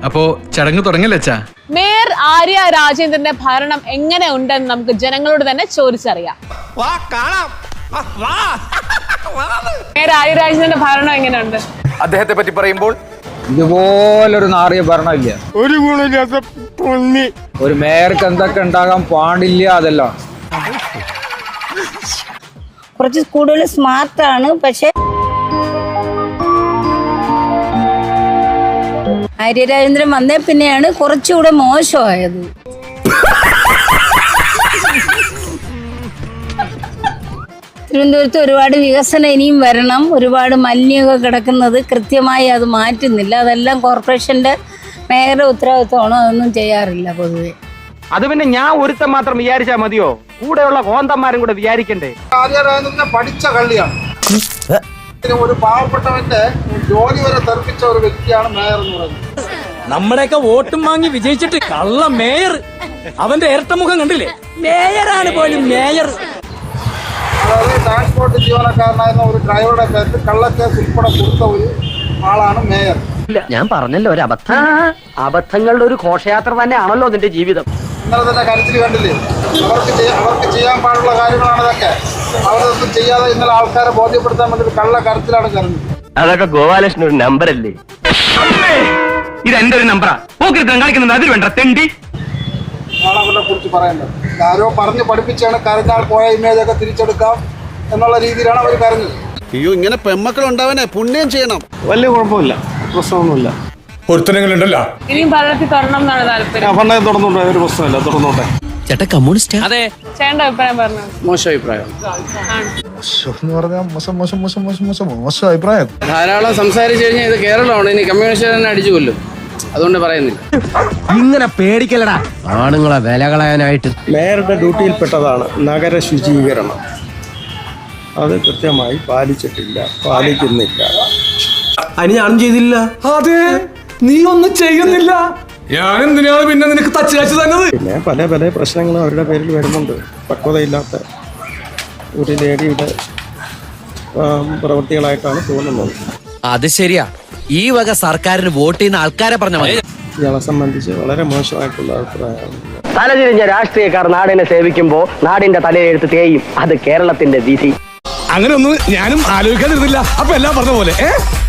അപ്പോ ചടങ്ങ് തുടങ്ങില്ല അച്ഛാ. മേയർ ആര്യ രാജേന്ദ്രന്റെ ഭരണം എങ്ങനെ ഉണ്ടെന്ന് നമുക്ക് ജനങ്ങളോട് തന്നെ ചോദിച്ചറിയാം. മേയർ ആര്യ രാജേന്ദ്രന്റെ ഭരണം എങ്ങനെയുണ്ട്? അദ്ദേഹത്തെ പറ്റി പറയുമ്പോൾ ഇതുപോലൊരു നാറിയ ഭരണമില്ല. ഒരു ഗുണമില്ലാത്ത പൊന്നി. ഒരു മേയർക്ക് എന്തൊക്കെ ഉണ്ടാകാൻ പാടില്ല അതെല്ലാം. കുറച്ച് കൂടുതൽ സ്മാർട്ടാണ്. പക്ഷെ ആര്യരാജേന്ദ്രൻ വന്നേ പിന്നെയാണ് കുറച്ചുകൂടെ മോശമായത്. തിരുവനന്തപുരത്ത് ഒരുപാട് വികസനം ഇനിയും വരണം. ഒരുപാട് മലിനമൊക്കെ കിടക്കുന്നത് കൃത്യമായി അത് മാറ്റുന്നില്ല. അതെല്ലാം കോർപ്പറേഷന്റെ മേയറുടെ ഉത്തരവാദിത്വമാണോ? അതൊന്നും ചെയ്യാറില്ല പൊതുവെ. അത് പിന്നെ ഞാൻ ഒരുത്തം മാത്രം വിചാരിച്ചാൽ മതിയോ? കൂടെയുള്ള കോന്തന്മാരും കൂടെ വിചാരിക്കണ്ടേ? ആര്യരാജേന്ദ്രനെ പഠിച്ച കള്ളിയാണ്. ഒരു പാവപ്പെട്ടവന്റെ ജോലി വരെ തെറിപ്പിച്ച ഒരു വ്യക്തിയാണ് മേയർ എന്ന് പറയുന്നത്. നമ്മുടെയൊക്കെ വോട്ടും വാങ്ങി വിജയിച്ചിട്ട് കള്ള മേയർ. അവന്റെ ഇരട്ടമുഖം കണ്ടില്ലേ? മേയറാണ് പോലും മേയർ. അതായത് ട്രാൻസ്പോർട്ട് ജീവനക്കാരനായിരുന്ന ഒരു ഡ്രൈവറുടെ പേരിൽ കള്ളക്കേസ് ഉൾപ്പെടെ കൊടുത്ത ഒരു ആളാണ് മേയർ. ഞാൻ പറഞ്ഞല്ലോ ഒരു അബദ്ധം. അബദ്ധങ്ങളുടെ ഒരു ഘോഷയാത്ര തന്നെയാണല്ലോ നിന്റെ ജീവിതം. ഇന്നലെ തന്നെ കരച്ചിൽ കണ്ടില്ലേ? അവർക്ക് ചെയ്യാൻ പാടുള്ള കാര്യങ്ങളാണ് ഇതൊക്കെ. അവരൊന്നും ചെയ്യാതെ ഇന്നലെ ആൾക്കാരെ ബോധ്യപ്പെടുത്താൻ വേണ്ടി കള്ള കരച്ചിലാണ് കരഞ്ഞത്. അതൊക്കെ ഗോപാലകൃഷ്ണൻ ഒരു നമ്പർ അല്ലേ? ഇത് എന്റെ ഒരു നമ്പറാ. കളിക്കുന്നത് അതിൽ വേണ്ട തെണ്ടി. ആണ് അവരെ കുറിച്ച് പറയേണ്ടത്. ആരോ പറഞ്ഞ് പഠിപ്പിച്ചാണ് കരഞ്ഞാൽ പോയ ഇമേജൊക്കെ തിരിച്ചെടുക്കാം എന്നുള്ള രീതിയിലാണ് അവർ കരഞ്ഞത്. അയ്യോ, ഇങ്ങനെ പെമ്മക്കൾ ഉണ്ടാവാനേ പുണ്യം ചെയ്യണം. വലിയ കുഴപ്പമില്ല, പ്രശ്നമൊന്നുമില്ല. പൊരുത്തനങ്ങളുണ്ടല്ലോ. ഇനിയും ഭരണത്തിൽ തുടരണം എന്നാണ് താല്പര്യം. പണ്ടേ തുറന്നോട്ടെ, ഒരു പ്രശ്നമില്ല, തുറന്നോട്ടെ. ചേട്ടാ കമ്മ്യൂണിസ്റ്റ്. അതെ. ചേട്ടന്റെ അഭിപ്രായം പറഞ്ഞു. മോശം അഭിപ്രായം. മോശം അഭിപ്രായം. ധാരാളം സംസാരിച്ചു കഴിഞ്ഞാൽ ഇത് കേരളമാണ്. ഇനി കമ്മ്യൂണിസ്റ്റ് തന്നെ അടിച്ചു കൊല്ലും. അതുകൊണ്ട് പറയുന്നില്ല. ഇങ്ങനെ പേടിക്കലടാ ആണുങ്ങളെ വില കളയാനായിട്ട്. മേയറുടെ ഡ്യൂട്ടിയിൽപ്പെട്ടതാണ് നഗര ശുചീകരണം. അത് കൃത്യമായി പാലിക്കുന്നില്ല. അതിന് ഞാനും ചെയ്തില്ല. അതെ, നീ ഒന്നും ചെയ്യുന്നില്ല. ഞാൻ എന്തിനാണ് പിന്നെ നിനക്ക് തച്ച് കാച്ചു തന്നത്? പിന്നെ പല പല പ്രശ്നങ്ങളും അവരുടെ പേരിൽ വരുന്നുണ്ട്. പക്വതയില്ലാത്ത ഒരു ലേഡിയുടെ പ്രവൃത്തികളായിട്ടാണ് തോന്നുന്നത്. അത് ശരിയാ. ഈ വക സർക്കാരിന് വോട്ട് ചെയ്യുന്ന ആൾക്കാരെ പറഞ്ഞ മതി. ഇയാളെ സംബന്ധിച്ച് വളരെ മോശമായിട്ടുള്ള അഭിപ്രായമാണ്. തലതിരിഞ്ഞ രാഷ്ട്രീയക്കാർ നാടിനെ സേവിക്കുമ്പോ നാടിന്റെ തലയെഴുത്ത് തേയും. അത് കേരളത്തിന്റെ വിധി. അങ്ങനെ ഒന്നും ഞാനും ആലോചിക്കാതിരുന്നില്ല. അപ്പൊ എല്ലാം പറഞ്ഞ പോലെ